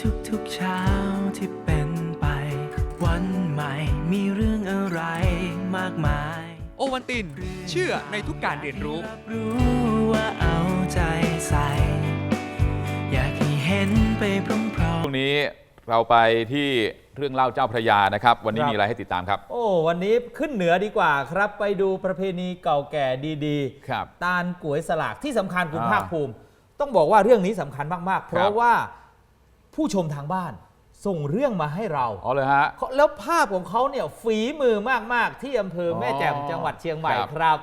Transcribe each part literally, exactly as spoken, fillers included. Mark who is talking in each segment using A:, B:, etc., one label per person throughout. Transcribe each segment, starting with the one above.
A: ทุกๆเช้าที่เป็นไปวันใหม่มีเรื่องอะไรมากมาย
B: โอวัลตินเชื่อในทุกการเรียนรู้
A: รู้ว่าเอาใจใส่อยากให้เห็นไปพร้อมๆ
C: ช่วงนี้เราไปที่เรื่องเล่าเจ้าพระยานะครับวันนี้มีอะไรให้ติดตามครับ
D: โอ้วันนี้ขึ้นเหนือดีกว่าครับไปดูประเพณีเก่าแก่ดีๆ
C: ครับ
D: ตาลก๋วยสลากที่สำคัญคุณภาคภูมิต้องบอกว่าเรื่องนี้สำคัญมากๆเพราะว่าผู้ชมทางบ้านส่งเรื่องมาให้เรา
C: อ๋อเลยฮะ
D: แล้วภาพของเขาเนี่ยฝีมือมากๆที่อำเภอแม่แจ่มจังหวัดเชียงใหม่ครับ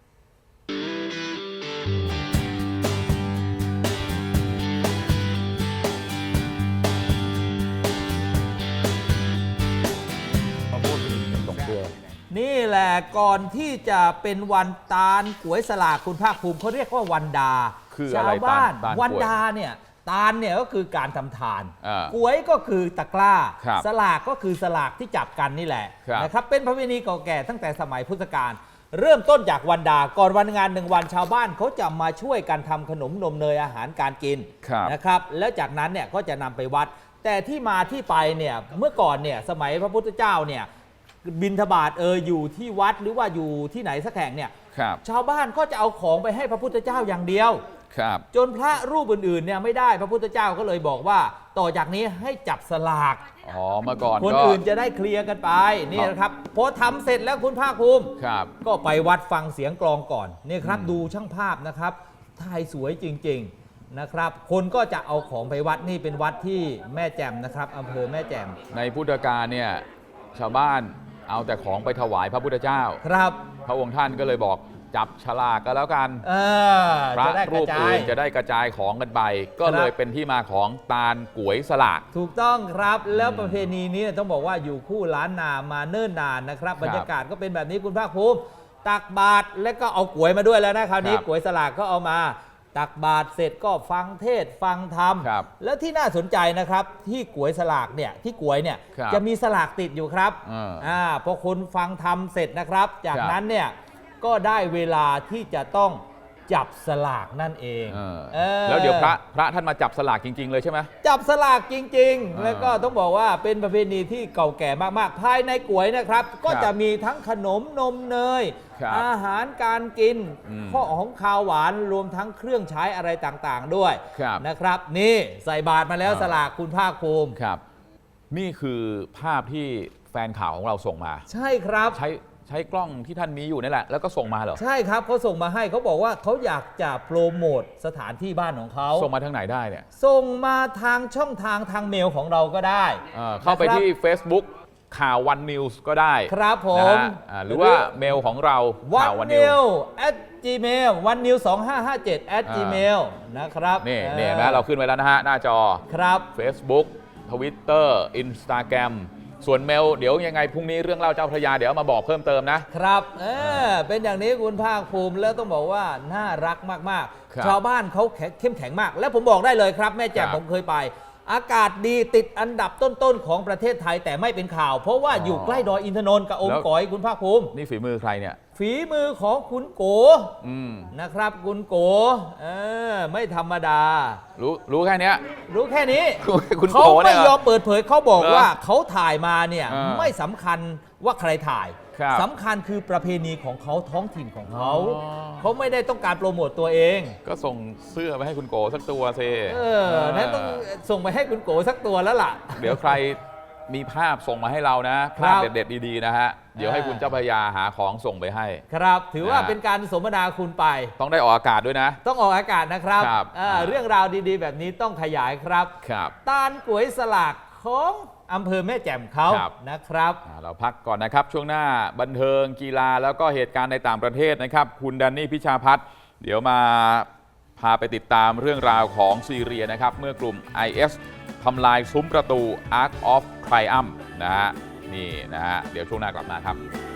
D: นี่แหละก่อนที่จะเป็นวันตาลก๋วยสลากคุณภาคภูมิเขาเรียกว่าวันดาชาวบ้านวันดาเนี่ยตาลเนี่ยก็คือการทำทานก๋วยก็คือตะกร้าสลากก็คือสลากที่จับกันนี่แหละนะครับเป็นประเพณีเก่าแก่ตั้งแต่สมัยพุทธกาลเริ่มต้นจากวันดาก่อนวันงานหนึ่งวันชาวบ้านเขาจะมาช่วยกันทำขนมนมเนยอาหารการกินนะครับแล้วจากนั้นเนี่ยก็จะนำไปวัดแต่ที่มาที่ไปเนี่ยเมื่อก่อนเนี่ยสมัยพระพุทธเจ้าเนี่ยบิณฑบาตเอออยู่ที่วัดหรือว่าอยู่ที่ไหนสักแห่งเนี่ยชาวบ้านก็จะเอาของไปให้พระพุทธเจ้าอย่างเดียวจนพระรูปอื่นๆเนี่ยไม่ได้พระพุทธเจ้าก็เลยบอกว่าต่อจากนี้ให้จับสลาก
C: อ๋อเมื่อก่อน
D: คนอื่นจะได้เคลียร์กันไปนี่นะครับพอทำเสร็จแล้วคุณภาคภูมิก็ไปวัดฟังเสียงกลองก่อนนี่ครับดูช่างภาพนะครับถ่ายสวยจริงๆนะครับคนก็จะเอาของไปวัดนี่เป็นวัดที่แม่แจ่มนะครับอำเภอแม่แจ่ม
C: ในพุทธกาลเนี่ยชาวบ้านเอาแต่ของไปถวายพระพุทธเจ้า
D: ครับ
C: พระองค์ท่านก็เลยบอกจับฉลากกันแล้วกันพระรูปอื่นจะได้กระจายของกันไปก็เลยเป็นที่มาของตาลก๋วยสลาก
D: ถูกต้องครับแล้วประเพณีนี้ต้องบอกว่าอยู่คู่ล้านนามาเนิ่นนานนะครับบรรยากาศก็เป็นแบบนี้คุณภาคภูมิตักบาตรและก็เอาก๋วยมาด้วยแล้วนะคราวนี้ก๋วยสลากก็เอามาตักบาตรเสร็จก็ฟังเทศฟังธรรมแล้วที่น่าสนใจนะครับที่ก๋วยสลากเนี่ยที่ก๋วยเนี่ยจะมีสลากติดอยู่ครับอ่าพอคนฟังธรรมเสร็จนะครับจากนั้นเนี่ยก็ได้เวลาที่จะต้องจับสลากนั่นเองเออ
C: แล้วเดี๋ยวพระพระท่านมาจับสลากจริงๆเลยใช่ไหม
D: จับสลากจริงๆแล้วก็ต้องบอกว่าเป็นประเพณีที่เก่าแก่มากๆภายในก๋วยนะครับก็จะมีทั้งขนมนมเนยอาหารการกินข้อของคาวหวานรวมทั้งเครื่องใช้อะไรต่างๆด้วยนะครับนี่ใส่บาตรมาแล้วสลากคุณภาคภูมิ
C: ครับนี่คือภาพที่แฟนข่าวของเราส่งมา
D: ใช่ครับ
C: ใช้ใช้กล้องที่ท่านมีอยู่นี่แหละแล้วก็ส่งมาเหรอ
D: ใช่ครับเขาส่งมาให้เขาบอกว่าเขาอยากจะโปรโมทสถานที่บ้านของเขา
C: ส่งมาทางไหนได้เนี่ย
D: ส่งมาทางช่องทางทางเมลของเราก็ได้
C: เข้าไปที่ Facebook ข่าววันนิวส์ก็ได้
D: ครับผม
C: หรือว่าเมลของเรา
D: ข่าววันนิวส์ at gmail วันนิวสองห้าห้าเจ็ด at gmail นะครับ
C: นี่นี่นะเราขึ้นไว้แล้วนะฮะหน้าจอ
D: ครับ
C: Facebook Twitter Instagramส่วนเมลเดี๋ยวยังไงพรุ่งนี้เรื่องเล่าเจ้าพระยาเดี๋ยวมาบอกเพิ่มเติม
D: นะครับเออเป็นอย่างนี้คุณภาคภูมิแล้วต้องบอกว่าน่ารักมากๆชาวบ้านเขาเข้มแข็งมากแล้วผมบอกได้เลยครับแม่แจ่มผมเคยไปอากาศดีติดอันดับต้นๆของประเทศไทยแต่ไม่เป็นข่าวเพราะว่าอยู่ใกล้ดอยอินทนนท์กับองค์ก๋อยคุณภาคภูมิ
C: นี่ฝีมือใครเนี่ย
D: ฝีมือของคุณโกนะครับคุณโกเออไม่ธรรมดา
C: รู้รู้แค่นี้
D: รู้แค่นี้
C: เขา
D: ไม่ยอมเปิดเผยเขาบอกว่าเขาถ่ายมาเนี่ยไม่สำคัญว่าใครถ่ายสำคัญคือประเพณีของเขาท้องถิ่นของเขาเขาไม่ได้ต้องการโปรโมตตัวเอง
C: ก็ส่งเสื้อไปให้คุณโกสักตัวเซ
D: เออนั้นต้องส่งไปให้คุณโกสักตัวแล้วล่ะ
C: เดี๋ยวใครมีภาพส่งมาให้เรานะภาพเด็ดๆดีๆนะฮะเดี๋ยวให้คุณเจ้าพระยาหาของส่งไปให้
D: ครับถือว่าเป็นการสมนาคุณไป
C: ต้องได้ออกอากาศด้วยนะ
D: ต้องออกอากาศนะครับเรื่องราวดีๆแบบนี้ต้องขยายครับตาลก๋วยสลากของอำเภอแม่แจ่มเขานะครับ
C: เราพักก่อนนะครับช่วงหน้าบันเทิงกีฬาแล้วก็เหตุการณ์ในต่างประเทศนะครับคุณแดนนี่พิชาพัฒน์เดี๋ยวมาพาไปติดตามเรื่องราวของซีเรียนะครับเมื่อกลุ่ม ไอ เอส ทำลายซุ้มประตู Arc of Triumph นะฮะนี่นะฮะเดี๋ยวช่วงหน้ากลับมาครับ